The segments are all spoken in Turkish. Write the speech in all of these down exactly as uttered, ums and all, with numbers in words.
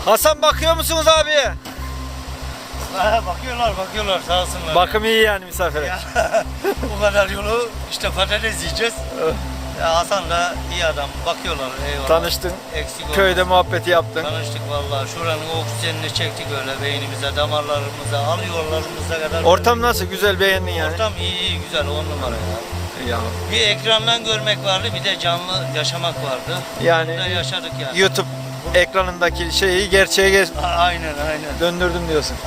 Hasan bakıyor musunuz abi? Ha, bakıyorlar bakıyorlar sağ olsunlar. Bakım iyi yani misafire. Ya, bu kadar yolu işte patates yiyeceğiz. Ya Hasan da iyi adam. Bakıyorlar. Eyvallah. Tanıştın. Eksik Köyde olmaz. muhabbeti yaptın. Tanıştık vallahi. Şuranın oksijenini çektik öyle beynimize, damarlarımıza, alıyorlarımıza kadar. Ortam nasıl? Güzel, beğendin yani. Ortam iyi iyi güzel on numara ya. Ya. Bir ekrandan görmek vardı, bir de canlı yaşamak vardı. Yani Burada yaşadık yani. YouTube ekranındaki şeyi gerçeğe geç A- Aynen aynen. döndürdüm diyorsun.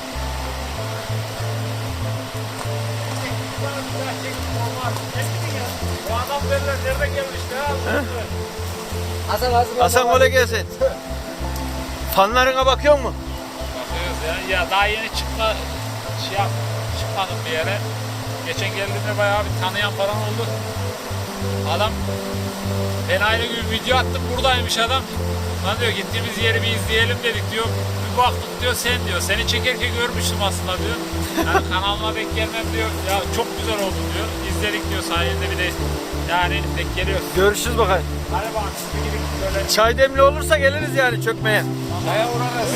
Bu adam derler nerede gelmişti ha? Hasan Hasan. Hasan kolay gelsin. Fanlarına bakıyor mu? Bakıyoruz ya. Ya daha yeni çıkma şey yap, çıkmadım bir yere. Geçen geldiğimde bayağı bir tanıyan falan oldu. Adam ben aynı gün video attım, buradaymış adam. Lan diyor gittiğimiz yeri bir izleyelim dedik diyor. Bir baktık diyor sen diyor. Seni çekerken görmüştüm aslında diyor. Yani kanalıma denk gelmem diyor. Ya çok güzel oldu diyor. İzledik diyor sayende bir de yani denk geliyor. Görüşürüz bakalım. Hadi bak siz gidin böyle Çay demli olursa geliriz yani çökmeye. çaya uğrarız.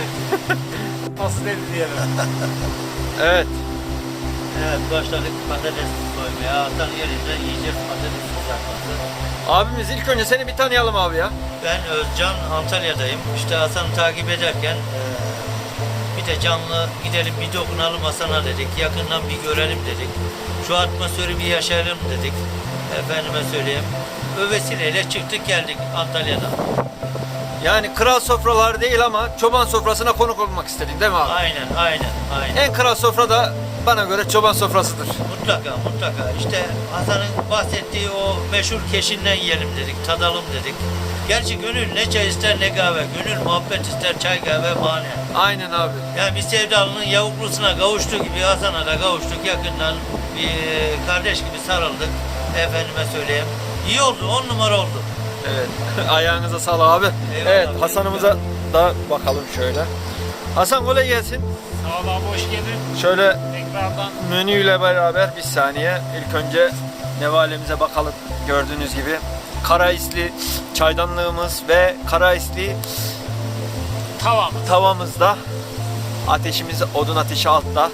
Nasıl dedi diyelim. Evet. Evet başladık patates soymaya. Hasan yerinde yiyeceğiz patates kızartması. Abimiz ilk önce seni bir tanıyalım abi ya. Ben Özcan, Antalya'dayım. İşte Hasan'ı takip ederken eee, bir de canlı gidelim bir dokunalım Hasan'a dedik. Yakından bir görelim dedik. Şu atmosferi bir yaşayalım dedik. Efendime söyleyeyim. O vesileyle çıktık geldik Antalya'dan. Yani kral sofralar değil ama çoban sofrasına konuk olmak istedin değil mi abi? Aynen, aynen, aynen. En kral sofra da bana göre çoban sofrasıdır. Mutlaka, mutlaka. İşte Hasan'ın bahsettiği o meşhur keşinden yiyelim dedik, tadalım dedik. Gerçi gönül ne çay ister ne kahve. Gönül muhabbet ister çay kahve bahane. Aynen abi. Yani bir sevdalının yavuklusuna kavuştuğu gibi Hasan'a da kavuştuk. Yakından bir kardeş gibi sarıldık. Efendime söyleyeyim. İyi oldu, on numara oldu. Evet. Ayağınıza sağlık abi. Eyvallah. Evet, Hasan'ımıza da bakalım şöyle. Hasan kolay gelsin. Sağ ol abi hoş geldin. Şöyle Tekrardan menüyle beraber bir saniye. İlk önce nevalemize bakalım. Gördüğünüz gibi kara isli çaydanlığımız ve kara isli tamam. tavamızda. Ateşimiz odun ateşi altta.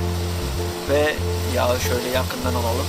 Ve yağı şöyle yakından alalım.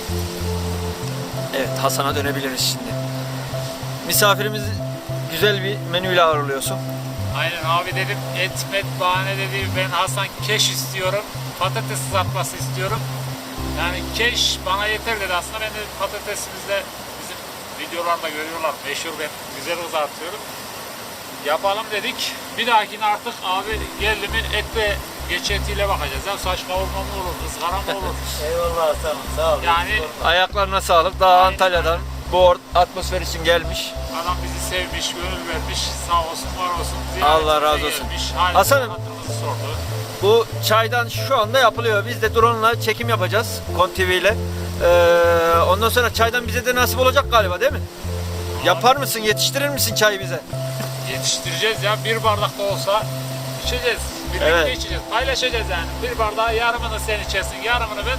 Evet, Hasan'a dönebiliriz şimdi. Misafirimizi güzel bir menüyle ağırlıyorsun. Aynen abi dedim et met bahane dedi. Ben Hasan keş istiyorum. Patates kızartması istiyorum. Yani keş bana yeter dedi aslında. Ben de patatesimizde bizim videolarda görüyorlar. Meşhur ben güzel kızartıyorum. Yapalım dedik. Bir dahakine artık abi geldi mi etle geç etiyle bakacağız. Ya saç kavurma mı olur, ızgara mı olur? Eyvallah Hasan'ım sağ ol. Yani Ayaklarına sağlık. Daha Aynen. Antalya'dan bu or- atmosfer için gelmiş. adam bizi sevmiş, gönül vermiş. Sağ olsun, var olsun. Allah razı Ziyaretimize olsun. gelmiş. Halimizi, Hasan'ım. hatırımızı sordu. Bu çaydan şu anda yapılıyor. Biz de drone'la çekim yapacağız. Kon T V ile. Ee, ondan sonra çaydan bize de nasip olacak galiba değil mi? Yapar mısın? Yetiştirir misin çayı bize? Yetiştireceğiz ya. Bir bardak da olsa içeceğiz. Birlikte Evet. içeceğiz. Paylaşacağız yani. Bir bardağı yarımını sen içersin, yarımını ben.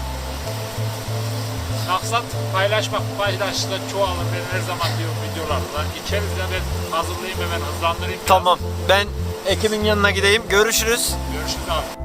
Maksat paylaşmak. Paylaştıkça çoğalır. Ben her zaman diyorum videolarda. İçeriz ya ben hazırlayayım hemen hızlandırayım. biraz. Tamam. Ben Ekim'in yanına gideyim. Görüşürüz. Görüşürüz abi.